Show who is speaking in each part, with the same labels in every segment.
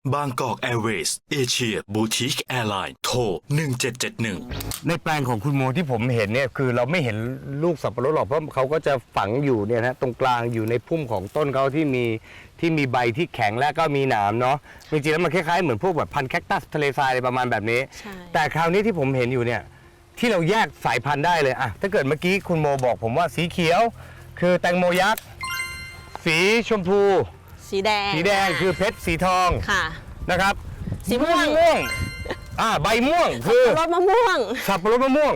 Speaker 1: บางกอกแอร์เวย์สเอเชียบูติกแอร์ไลน์โทร1771
Speaker 2: ในแปลงของคุณโมที่ผมเห็นเนี่ยคือเราไม่เห็นลูกสับปะรดหรอกเพราะเขาก็จะฝังอยู่เนี่ยนะตรงกลางอยู่ในพุ่มของต้นเขาที่มีใบที่แข็งและก็มีหนามเนาะจริงๆแล้วมันคล้ายๆเหมือนพวกแบบพันธุ์แคคตัสทะเลทรายอะไรประมาณแบบนี้แต่คราวนี้ที่ผมเห็นอยู่เนี่ยที่เราแยกสายพันธุ์ได้เลยอะถ้าเกิดเมื่อกี้คุณโมบอกผมว่าสีเขียวคือแตงโมยักษ์สีชมพู
Speaker 3: สีแดง
Speaker 2: คือเพชรสีทอง
Speaker 3: ค่ะ
Speaker 2: นะครับ
Speaker 3: สีม่วง
Speaker 2: ใบม่วงคือ
Speaker 3: รสมะม่วง
Speaker 2: สับปะรดมะม่วง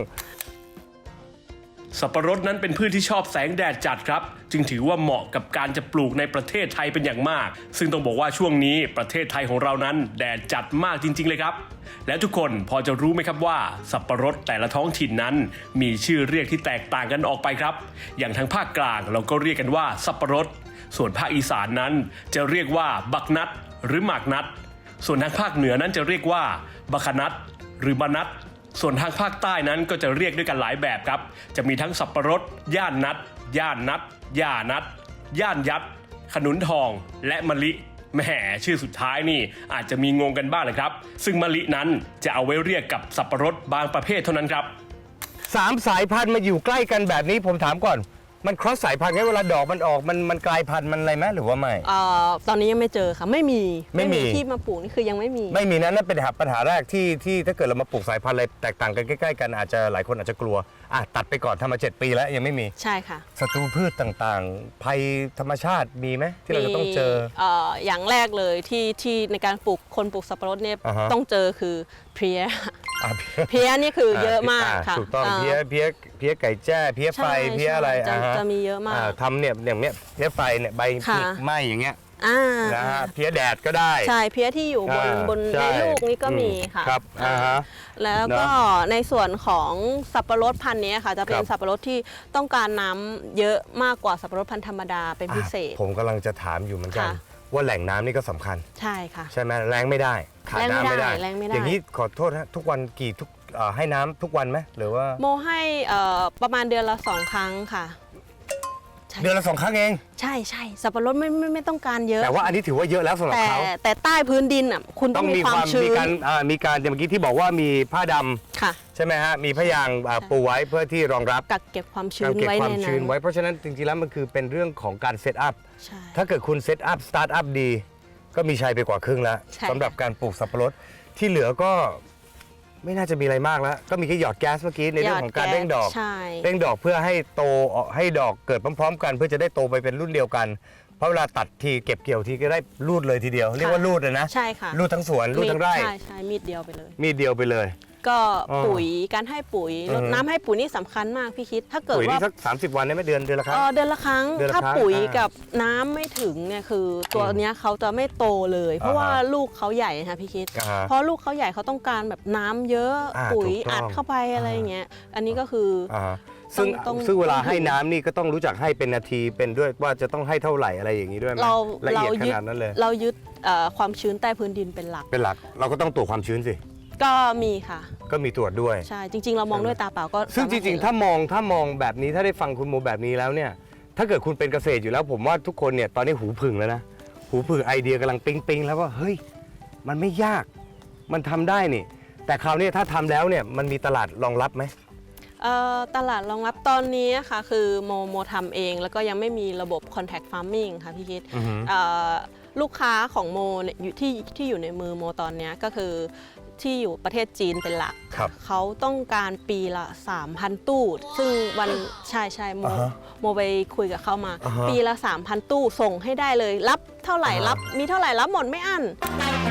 Speaker 4: สับปะรดนั้นเป็นพืชที่ชอบแสงแดดจัดครับจึงถือว่าเหมาะกับการจะปลูกในประเทศไทยเป็นอย่างมากซึ่งต้องบอกว่าช่วงนี้ประเทศไทยของเรานั้นแดดจัดมากจริงๆเลยครับแล้วทุกคนพอจะรู้ไหมครับว่าสับปะรดแต่ละท้องถิ่นนั้นมีชื่อเรียกที่แตกต่างกันออกไปครับอย่างทางภาคกลางเราก็เรียกกันว่าสับปะรดส่วนภาคอีสานนั้นจะเรียกว่าบักนัดหรือหมากนัดส่วนทางภาคเหนือนั้นจะเรียกว่าบัคนัดหรือบานัดส่วนทางภาคใต้นั้นก็จะเรียกด้วยกันหลายแบบครับจะมีทั้งสับปะรดย่านนัดย่านนัดย่านัดย่านยัดขนุนทองและมะลิแหมชื่อสุดท้ายนี่อาจจะมีงงกันบ้างนะครับซึ่งมะลินั้นจะเอาไว้เรียกกับสับปะรดบางประเภทเท่านั้นครับ
Speaker 2: 3 สายพันธุ์มาอยู่ใกล้กันแบบนี้ผมถามก่อนมันครอสสายพันธุ์ไงเวลาดอกมันออกมันกลายพันธุ์มันอะไรไหมหรือว่าไม่
Speaker 3: ตอนนี้ยังไม่เจอค่ะไม่มีที่มาปลูกนี่คือยังไม่มี
Speaker 2: นั่นเป็นปัญหาแรกที่ถ้าเกิดเรามาปลูกสายพันธุ์อะไรแตกต่างกันใกล้ๆกันอาจจะหลายคนอาจจะกลัวตัดไปก่อนทำมา7 ปีแล้วยังไม่มี
Speaker 3: ใช่ค่ะ
Speaker 2: ศัตรูพืชต่างๆภัยธรรมชาติมีไหมที่เราจะต้องเจอ
Speaker 3: อย่างแรกเลยที่ในการปลูกคนปลูกสับปะรดเนี่ยต้องเจอคือเพลี้ยนี่คือเยอะมากค่ะ
Speaker 2: ถูกต้องเพลี้ยไก่แจ้เพลี้ยไฟเพลี้ยอะไร
Speaker 3: จะมีเยอะมาก
Speaker 2: ทำเนี่ยอย่างเนี้ยเพลี้ยไฟเนี่ยใบไหม้อย่างเงี้ยนะฮะเพลี้ยแดดก็ได้
Speaker 3: ใช่เพลี้ยที่อยู่บนในลูกนี่ก็มีค่ะ
Speaker 2: ครับ
Speaker 3: แล้วก็ในส่วนของสับปะรดพันธุ์นี้ค่ะจะเป็นสับปะรดที่ต้องการน้ำเยอะมากกว่าสับปะรดพันธุ์ธรรมดาเป็นพิเศษ
Speaker 2: ผมกำลังจะถามอยู่เหมือนกันว่าแหล่งน้ำนี่ก็สำคัญ
Speaker 3: ใช่ค่ะ
Speaker 2: ใช่ไหมแรงไม่ได้ขาดน้ำไม่ได้อย่างนี้ขอโทษนะทุกวันให้น้ำทุกวันไหมหรือว่า
Speaker 3: โมให้ประมาณเดือนละ2 ครั้งค่ะ
Speaker 2: เดือนละ2 ครั้งเอง
Speaker 3: ใช่สับปะรดไม่ต้องการเยอะ
Speaker 2: แต่ว่าอันนี้ถือว่าเยอะแล้วสำหรับเขา
Speaker 3: แต่ใต้พื้นดินอ่ะคุณต้องมีความชื้น
Speaker 2: มีการอย่างเมื่อกี้ที่บอกว่ามีผ้าดำ
Speaker 3: ค่ะ
Speaker 2: ใช่ไหมฮะมีผ้ายางปูไว้เพื่อที่รองรับ
Speaker 3: กักเก็บความชื้นไว้ในนั้น
Speaker 2: เพราะฉะนั้นจริงๆแล้วมันคือเป็นเรื่องของการเซตอัพถ้าเกิดคุณเซตอัพสตาร์ทอัพดีก็มีชัยไปกว่าครึ่งแล้วสำหรับการปลูกสับปะรดที่เหลือก็ไม่น่าจะมีอะไรมากแล้วก็มีแค่หยอดแก๊สเมื่อกี้ในเรื่องของการเร่งดอกเพื่อให้โตให้ดอกเกิดพร้อมๆกันเพื่อจะได้โตไปเป็นรุ่นเดียวกันเพราะเวลาตัดทีเก็บเกี่ยวทีก็ได้รูดเลยทีเดียวเรียกว่ารูดเลยนะ
Speaker 3: ใช่ค่ะ
Speaker 2: รูดทั้งสวนรูดทั้งไร่
Speaker 3: ใช่มีดเดียวไปเลยก็ปุ๋ยการให้ปุ๋ยรดน้ำให้ปุ๋ยนี่สำคัญมากพี่คิดถ้าเกิดว่า
Speaker 2: สัก30 วันได้ไหมเดือนละครั้ง
Speaker 3: เดือนละครั้งถ้าปุ๋ยกับน้ำไม่ถึงเนี่ยคือตัวเนี้ยเขาจะไม่โตเลยเพราะว่าลูกเขาใหญ่นะคะพี่คิดเพราะลูกเขาใหญ่เขาต้องการแบบน้ำเยอะปุ๋ยอัดเข้าไปอะไรอย่างเงี้ยอันนี้ก็คือ
Speaker 2: ซึ่งเวลาให้น้ำนี่ก็ต้องรู้จักให้เป็นนาทีเป็นด้วยว่าจะต้องให้เท่าไหร่อะไรอย่างนี้ด้วยไหมละเอียดขนาดนั้นเลย
Speaker 3: เรายึดความชื้นใต้พื้นดินเป็นหลัก
Speaker 2: เราก็ต้องตรวจความชื้นสิ
Speaker 3: ก็มีค่ะ
Speaker 2: ก็มีตรวจด้วย
Speaker 3: ใช่จริงๆเรามองด้วยตาเปล่าก็
Speaker 2: ซึ่งจริงๆถ้ามองแบบนี้ถ้าได้ฟังคุณโมแบบนี้แล้วเนี่ยถ้าเกิดคุณเป็นเกษตรอยู่แล้วผมว่าทุกคนเนี่ยตอนนี้หูผึ่งแล้วนะหูผึ่งไอเดียกำลังปิ๊งแล้วว่าเฮ้ยมันไม่ยากมันทำได้นี่แต่คราวนี้ถ้าทำแล้วเนี่ยมันมีตลาดรองรับไหม
Speaker 3: ตลาดรองรับตอนนี้ค่ะคือโมทำเองแล้วก็ยังไม่มีระบบ contact farming ค่ะพี่คิดลูกค้าของโมที่อยู่ในมือโมตอนนี้ก็คือที่อยู่ประเทศจีนเป็นหลักเขาต้องการปีละ 3,000 ตู้ซึ่งวันใช่โมไปคุยกับเขามาปีละ 3,000 ตู้ส่งให้ได้เลยรับเท่าไหร่รับมีเท่าไหร่รับหมดไม่อั้น